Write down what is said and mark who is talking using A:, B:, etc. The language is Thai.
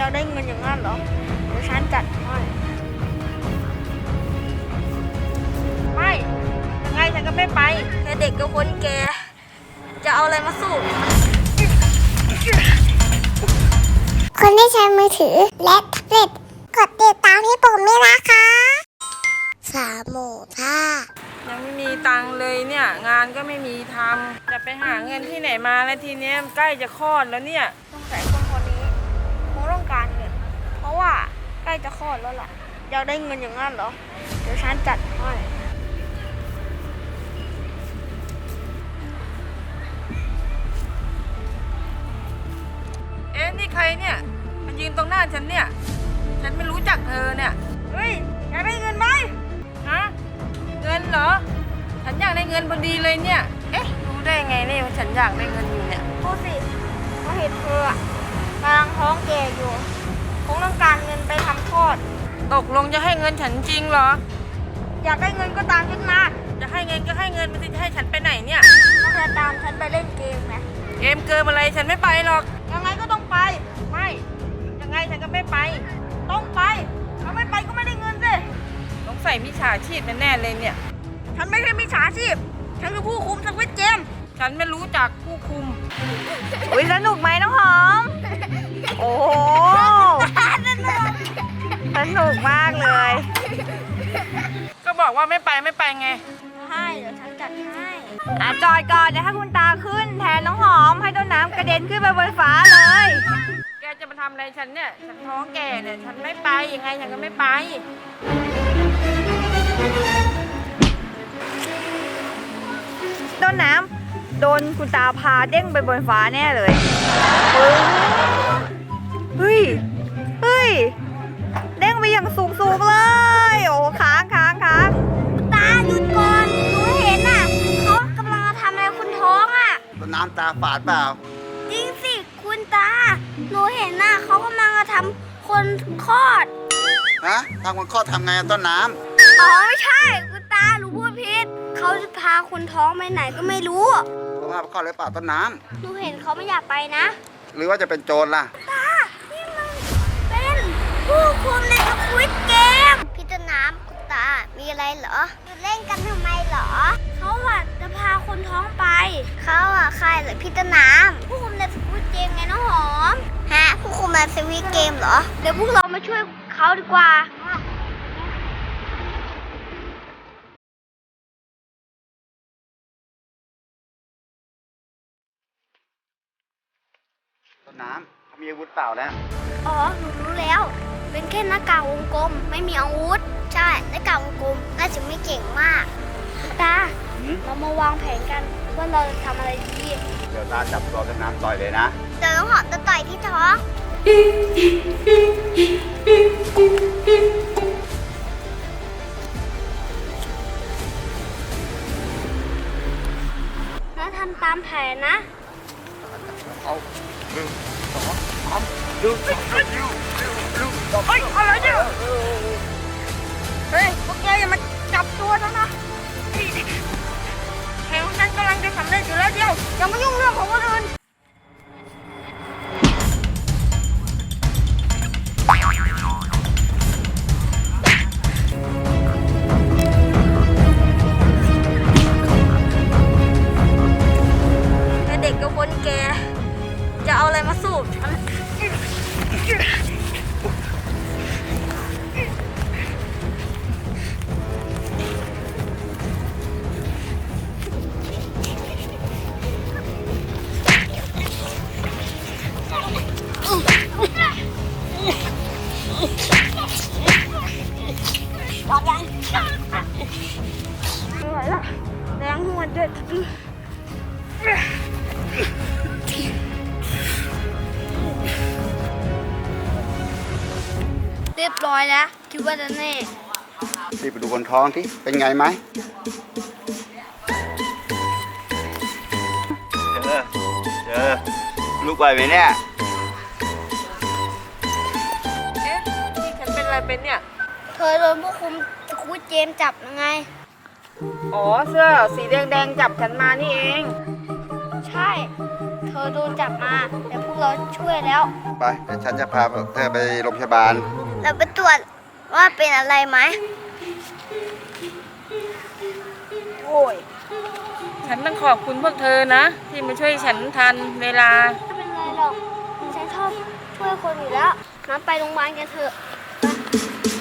A: ากได้เงินอย่างนั้นเหรอเดี๋ยวฉันจัดให้ไม่ยังไงฉันก็ไม่ไปแค่เด็กกับคนแก่จะเอาอะไรมาสู้
B: คนที่ใช้มือถือและแท็บเล็ตกดติดตามให้ผมด้วยนะคะ3 หมู่ 5
C: ยังไม่มีตังค์เลยเนี่ยงานก็ไม่มีทำจะไปหาเงินที่ไหนมาแล้วทีเนี้ยใกล้จะคลอดแล้วเนี่ย
A: ต้องใส่คนนี้คงต้องการเงินเพราะว่าใกล้จะคลอดแล้วล่ะอยากได้เงินอย่างนั้นเหรอเดี๋ยวฉันจัดให้
C: เอ๊ะนี่ใครเนี่ยมันยืนตรงหน้าฉันเนี่ยฉันไม่รู้จักเธอเนี่ย
A: เฮ้ยอยากได้เงินไหม
C: ฮะเงินเหรอฉันอยากได้เงินพอดีเลยเนี่ยเอ๊ะรู้ได้ไงเนี่ยว่าฉันอยากได้เงินอยู่เนี่ย
A: พูดสิเขาเห็นเธอกำลังท้องแก่อยู่คงต้องการเงินไปทำคลอด
C: ตกลงจะให้เงินฉันจริงเหรอ
A: อยากได้เงินก็ตามฉันมา
C: จะให้เงินก็ให้เงินมันจะให้ฉันไปไหนเนี่ย
A: ถ้าจะตามฉันไปเล่นเกมไหม
C: เกมเกินอะไรฉันไม่ไปหรอก
A: ยังไงก็ต้องไป
C: ไม่ยังไงฉันก็ไม่ไป
A: ต้องไปถ้าไม่ไปก็ไม่ได้เงินสิ
C: ต้องใส่มิจฉาชีพแน่ๆเลยเนี่ย
A: ฉันไม่ใช่มิจฉาชีพฉันคือผู้คุมสวิตเกม
C: ฉันไม่รู้จักผู้คุม
D: อุ๊ยสนุกไหมน้องหอมโอ้โหสนุกมากเลย
C: ก็บอกว่าไม่ไปไง
A: ให้เดี๋ยวฉันจัดให้
D: จอดก่อนเดี๋ยวให้คุณตาขึ้นแทนน้องหอมให้ต้นน้ำกระเด็นขึ้นไปบนฟ้าเลย
C: แกจะมาทำอะไรฉันเนี่ยฉันท้องแก่เนี่ยฉันไม่ไปยังไงฉันก็ไม่ไป
D: ต้นน้ำโดนคุณตาพาเด้งไปบนฟ้าแน่เลยเฮ้ยเด้งไปอย่างสูงเลยโอ้ค้าง
B: ตาหยุดก่อนหนูเห็นน่ะเขากำลังทำอะไรคุณท้องอ่ะ
E: ต้นน้ำตาฝาดเปล่า
B: จริงสิคุณตาหนูเห็นน่ะเขากำลังทำคนคลอด
E: ฮะทางคนคลอดทำไงต้นน้
B: ำอ๋อไม่ใช่คุณตาหนูพูดผิดเขาจะพาคนท้องไปไหนก็ไม่รู้
E: เขาพาไปคลอดหรือเปล่าต้นน้
B: ำหนูเห็นเขาไม่อยากไปนะ
E: หรือว่าจะเป็นโจรล่ะ
B: ตานี่มันเป็นผู้คุมในสควิดเกมพี่ต้นน้ำคุณตามีอะไรเหรออยู่เล่นกันทำไมเหรอเขาจะพาคนท้องไปเขาใครเหรอพี่ต้นน้ำผู้คุมในสควิดเกมไงน้องหอมฮะผู้คุมในสควิดเกมเหรอเดี๋ยวพวกเรามาช่วยเขาดีกว่า
E: ต้นน้ำเขามีอาวุธเปล่าแล้ว
B: อ๋อหนูรู้แล้วเป็นแค่หน้ากากวงกลมไม่มีอาวุธใช่หน้ากากวงกลมน่าจะไม่เก่งมากตาเรามาวางแผนกันว่าเราจะทำอะไรดี
E: เดี๋ยวตาจับตัวต้นน้ำต่อยเลยนะ
B: เดี๋ยวน้องหอมจะต่อยที่ท้องแล้วทำตามแผนนะ
E: เอา1 2 3ดู
A: เฮ้ยอะไรเนี่ยเฮ้ยพวกแกอย่ามาจับตัวฉันนะแผนของฉันกำลังจะสำเร็จอยู่แล้วเดียวอย่ามายุ่งเรื่องของคนอื่นแค่เด็กกับคนแก่จะเอาอะไรมาสู้ฉันไม่ไหวละแรงหัวเด็ดเรียบร้อยแล้วคิดว่าจะแน่
E: รีบไปดูคนท้องที่เป็นไงไหมเจอลูกไหวไหมเนี่ย
C: เอ๊ะนี่ฉันเป็นอะไรเป็นเนี่ย
B: เธอโดนผู้คุมสควิดเกมจับยังไง
C: อ๋อเสื้อสีแดงจับฉันมานี่เอง
B: ใช่เธอโดนจับมาแต่พวกเราช่วยแล้ว
E: ไปเดี๋ยวฉันจะพาเธอไปโรงพยาบาล
B: เราไปตรวจว่าเป็นอะไรไหม
A: โอ้ย
C: ฉันต้องขอบคุณพวกเธอนะ ที่มาช่วยฉันทันเวลา
B: ไม่เป็นไรหรอกฉันชอบช่วยคนอยู่แล้วน้ำไปโรงพยาบาลกันเถอะ